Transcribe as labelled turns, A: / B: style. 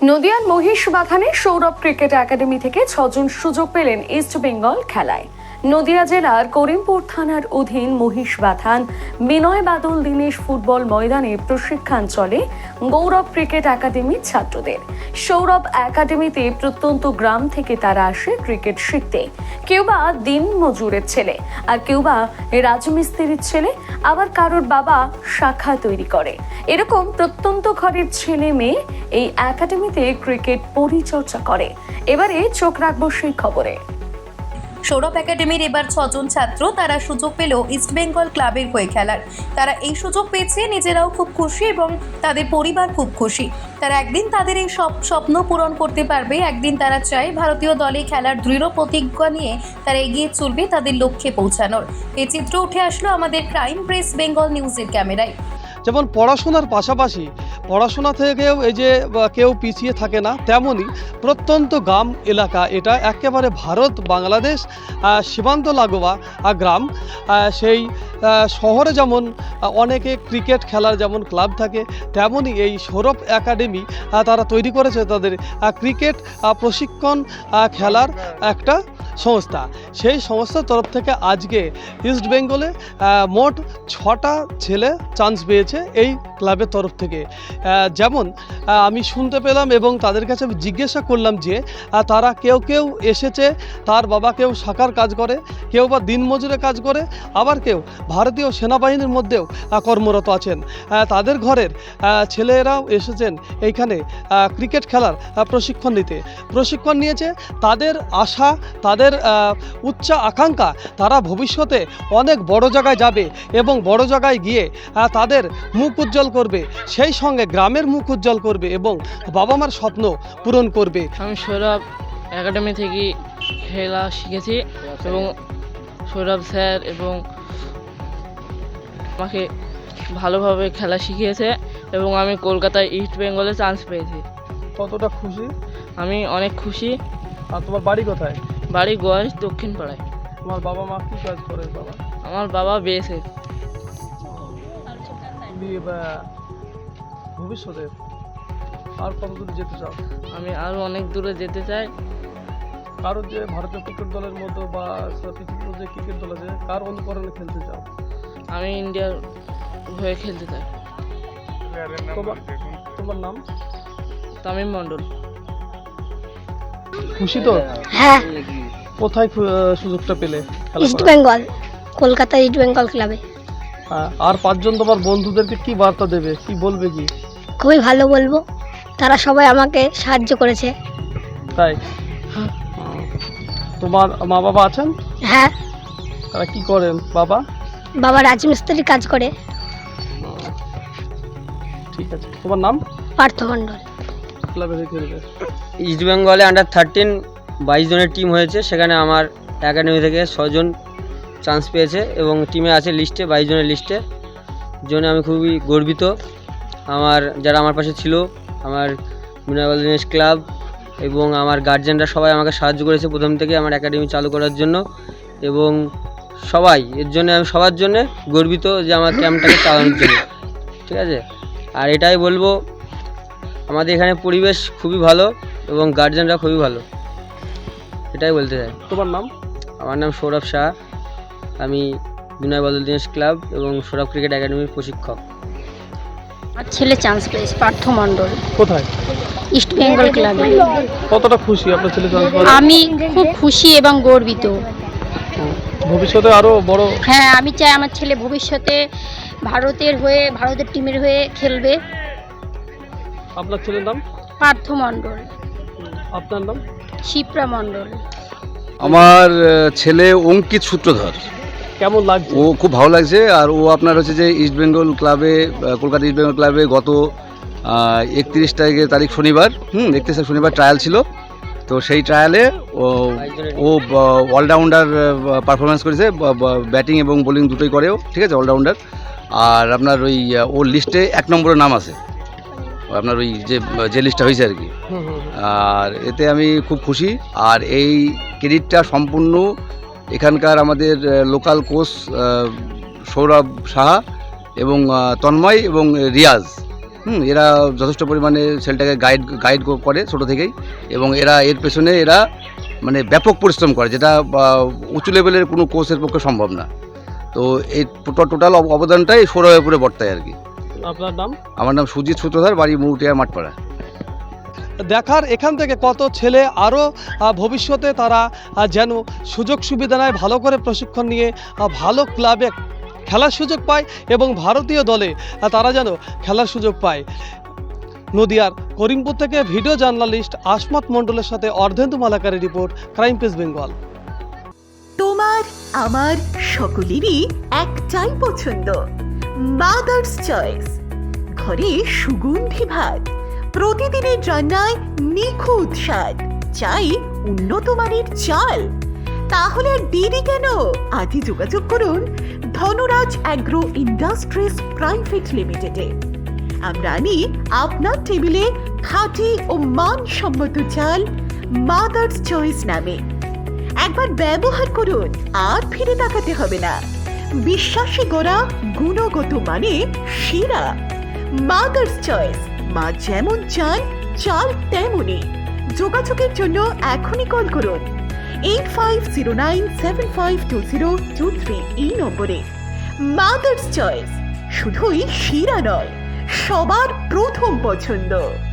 A: নদিয়ার মহিষবাথানে Sourav cricket academy থেকে 6 জন সুযোগ পেলেন ইস্ট বেঙ্গল খেলায়। নদিয়া জেলার করিমপুর থানার অধীন মহিষবাথান বিনয় বাদল দীনেশ ফুটবল ময়দানে প্রশিক্ষণ চলে গৌরব ক্রিকেট একাডেমির ছাত্রদের। সৌরভ একাডেমিতে প্রত্যন্ত গ্রাম থেকে তারা আসে ক্রিকেট শিখতে। কেউ বা দিন মজুরের ছেলে, আর কেউ বা রাজমিস্ত্রির ছেলে, আবার কারোর বাবা শাখা তৈরি করে। এরকম প্রত্যন্ত ঘরের ছেলে মেয়ে এই একাডেমিতে ক্রিকেট পরিচর্যা করে। এবারে চোখ রাখবো সেই খবরে।
B: সৌরভ একাডেমির এবার 6 জন ছাত্র তারা সুযোগ পেল ইস্ট বেঙ্গল ক্লাবের হয়ে খেলার। তারা এই সুযোগ পেয়েছে, নিজেরাও খুব খুশি এবং তাদের পরিবার খুব খুশি। তারা একদিন তাদের এই সব স্বপ্ন পূরণ করতে পারবে। একদিন তারা চায় ভারতীয় দলে খেলার দৃঢ় প্রতিজ্ঞা নিয়ে তারা এগিয়ে চলবে তাদের লক্ষ্যে পৌঁছানোর। এই চিত্র উঠে আসলো আমাদের ক্রাইম প্রেস বেঙ্গল নিউজের ক্যামেরায়।
C: যেমন পড়াশোনার পাশাপাশি পড়াশোনা থেকেও এই যে কেউ পিছিয়ে থাকে না, তেমনই প্রত্যন্ত গ্রাম এলাকা, এটা একেবারে ভারত বাংলাদেশ সীমান্ত লাগোয়া গ্রাম। সেই শহরে যেমন অনেকে ক্রিকেট খেলার যেমন ক্লাব থাকে, তেমনই এই সৌরভ একাডেমি তারা তৈরি করেছে তাদের ক্রিকেট প্রশিক্ষণ খেলার একটা সংস্থা। সেই সংস্থার তরফ থেকে আজকে ইস্ট বেঙ্গলে মোট 6টা ছেলে চান্স পেয়েছে এই ক্লাবের তরফ থেকে। যেমন আমি শুনতে পেলাম এবং তাদের কাছে আমি জিজ্ঞাসা করলাম যে তারা কেউ এসেছে, তার বাবা কেউ শাখার কাজ করে, কেউ বা দিনমজুরে কাজ করে, আবার কেউ ভারতীয় সেনাবাহিনীর মধ্যেও কর্মরত আছেন। তাদের ঘরের ছেলেরাও এসেছেন এইখানে ক্রিকেট খেলার প্রশিক্ষণ নিয়েছে। তাদের আশা, তাদের উচ্চ আকাঙ্ক্ষা, তারা ভবিষ্যতে অনেক বড় জায়গায় যাবে এবং বড় জায়গায় গিয়ে তাদের মুখ উজ্জ্বল করবে, সেই সঙ্গে গ্রামের মুখ উজ্জ্বল করবে এবং বাবা মার স্বপ্ন পূরণ করবে।
D: আমি সৌরভ একাডেমি থেকে খেলা শিখেছি এবং সৌরভ স্যার এবং আমাকে ভালোভাবে খেলা শিখিয়েছে এবং আমি কলকাতায় ইস্ট বেঙ্গলে চান্স পেয়েছি।
C: কতটা খুশি?
D: আমি অনেক খুশি।
C: আর তোমার বাড়ি কোথায়?
D: বাড়ি গোয়াস, দক্ষিণ পাড়ায়।
C: তোমার বাবা মা কী কাজ করে? বাবা
D: আমার বাবা বিএসএফ।
C: ভবিষ্যতে আর কত দূর যেতে চাও?
D: আমি আরও অনেক দূরে যেতে চাই।
C: কারোর যে ভারতীয় ক্রিকেট দলের মতো বা পৃথিবীর যে ক্রিকেট দল আছে, কার অনুকরণে খেলতে চাও?
D: আমি ইন্ডিয়ার হয়ে খেলতে চাই।
C: তোমার নাম?
D: তামিম মণ্ডল।
C: খুশি তো?
E: হ্যাঁ।
C: কোথায় সুযোগটা পেলে?
E: ইস্ট বেঙ্গল, কলকাতা ইস্ট বেঙ্গল ক্লাবে।
C: আর 5 জন তোমার বন্ধুদেরকে কি বার্তা দেবে, কি বলবে? কি
E: খুবই ভালো বলবো, তারা সবাই আমাকে সাহায্য করেছে।
C: তাই? তোমার মা বাবা আছেন?
E: হ্যাঁ।
C: তারা কি করেন? বাবা
E: রাজমিস্ত্রি কাজ করে।
C: ঠিক আছে। তোমার নাম?
E: পার্থ মণ্ডল।
C: ক্লাবে খেলবে।
F: ইস্ট বেঙ্গলে আন্ডার 13 22 জনের টিম হয়েছে, সেখানে আমার একাডেমি থেকে 6 জন চান্স পেয়েছে এবং টিমে আছে লিস্টে 22 জনের লিস্টে। জন্য আমি খুবই গর্বিত। যারা আমার পাশে ছিল, আমার বিনয় বাদল দীনেশ ক্লাব এবং আমার গার্জেনরা সবাই আমাকে সাহায্য করেছে প্রথম থেকে আমার একাডেমি চালু করার জন্য, এবং সবাই এর জন্য আমি সবার জন্য গর্বিত যে আমার ক্যাম্পটাকে চালানোর জন্য। ঠিক আছে। আর এটাই বলবো, আমাদের এখানে পরিবেশ খুবই ভালো এবং গার্জেনরা খুবই ভালো, এটাই বলতে চাই।
C: তোমার নাম?
F: আমার নাম সৌরভ শাহ। আমি বিনয় বাদল দীনেশ ক্লাব এবং সৌরভ ক্রিকেট একাডেমির প্রশিক্ষক।
E: আমার ছেলে চান্স পেয়েছে, পার্থ মণ্ডল।
C: কোথায়?
E: ইস্ট বেঙ্গল ক্লাবে।
C: কতটা খুশি আপনার ছেলে চান্স পেয়েছে?
E: আমি খুব খুশি এবং গর্বিত।
C: ভবিষ্যতে আরো বড়?
E: হ্যাঁ, আমি চাই আমার ছেলে ভবিষ্যতে ভারতের টিমের হয়ে খেলবে।
C: আপনার ছেলের নাম?
E: পার্থ মণ্ডল।
C: আপনার নাম?
E: শিপ্রা মণ্ডল।
G: আমার ছেলে অঙ্কিত সূত্রধর।
C: কেমন লাগছে?
G: ও খুব ভালো লাগছে। আর ও আপনার হচ্ছে যে ইস্ট বেঙ্গল ক্লাবে, কলকাতা ইস্ট বেঙ্গল ক্লাবে গত 31 তারিখ শনিবার 31 শনিবার ট্রায়াল ছিল। তো সেই ট্রায়ালে ও অলরাউন্ডার পারফরমেন্স করেছে, ব্যাটিং এবং বোলিং দুটোই করেও। ঠিক আছে, অলরাউন্ডার। আর আপনার ওর লিস্টে 1 নম্বরের নাম আছে, আপনার যে লিস্টটা হয়েছে আর কি। আর এতে আমি খুব খুশি। আর এই ক্রেডিটটা সম্পূর্ণ এখানকার আমাদের লোকাল কোচ সৌরভ সাহা এবং তন্ময় এবং রিয়াজ, এরা যথেষ্ট পরিমাণে ছেলেটাকে গাইড করে ছোটো থেকেই, এবং এর পেছনে এরা মানে ব্যাপক পরিশ্রম করে, যেটা উঁচু লেভেলের কোনো কোচের পক্ষে সম্ভব না। তো এই টোটাল অবদানটাই সৌরভের উপরে বর্তায় আর কি।
C: আপনার নাম?
G: আমার নাম সুজিত সূত্রধার, বাড়ি মৌটিয়া মাঠপাড়া।
C: দেখার এখান থেকে কত ছেলে আরও ভবিষ্যতে তারা যেন সুযোগ সুবিধা নেয়, ভালো করে প্রশিক্ষণ নিয়ে ভালো ক্লাবে খেলার সুযোগ পায় এবং ভারতীয় দলে তারা যেন খেলার সুযোগ পায়। নদিয়ার করিমপুর থেকে ভিডিও জার্নালিস্ট আসমত মণ্ডলের সাথে অর্ধেন্দু মালাকারের রিপোর্ট, ক্রাইম প্রেস বেঙ্গল।
H: তোমার আমার সকলেরই একটাই পছন্দ, মাদার্স চয়েস। ঘরে সুগন্ধি ভাত, প্রতিদিনের রান্নায় নিখুঁত স্বাদ, চাই উন্নত মানের চাল। তাহলে আর দেরি কেন? আজই যোগাযোগ করুন ধনরাজ অ্যাগ্রো ইন্ডাস্ট্রিজ প্রাইভেট লিমিটেডে। আমরা আনি আপনার টেবিলে খাঁটি ও মানসম্মত চাল মাদার্স চয়েস নামে। একবার ব্যবহার করুন, আর ফিরে তাকাতে হবে না। বিশ্বাসে গড়া গুণগত মানে সেরা মাদার্স চয়েস। মা যেমন চান, চাল তেমনই। যোগাযোগের জন্য এখনই কল করুন 8509752023 এই নম্বরে। মাদার্স চয়েস শুধুই সেরা নয়, সবার প্রথম পছন্দ।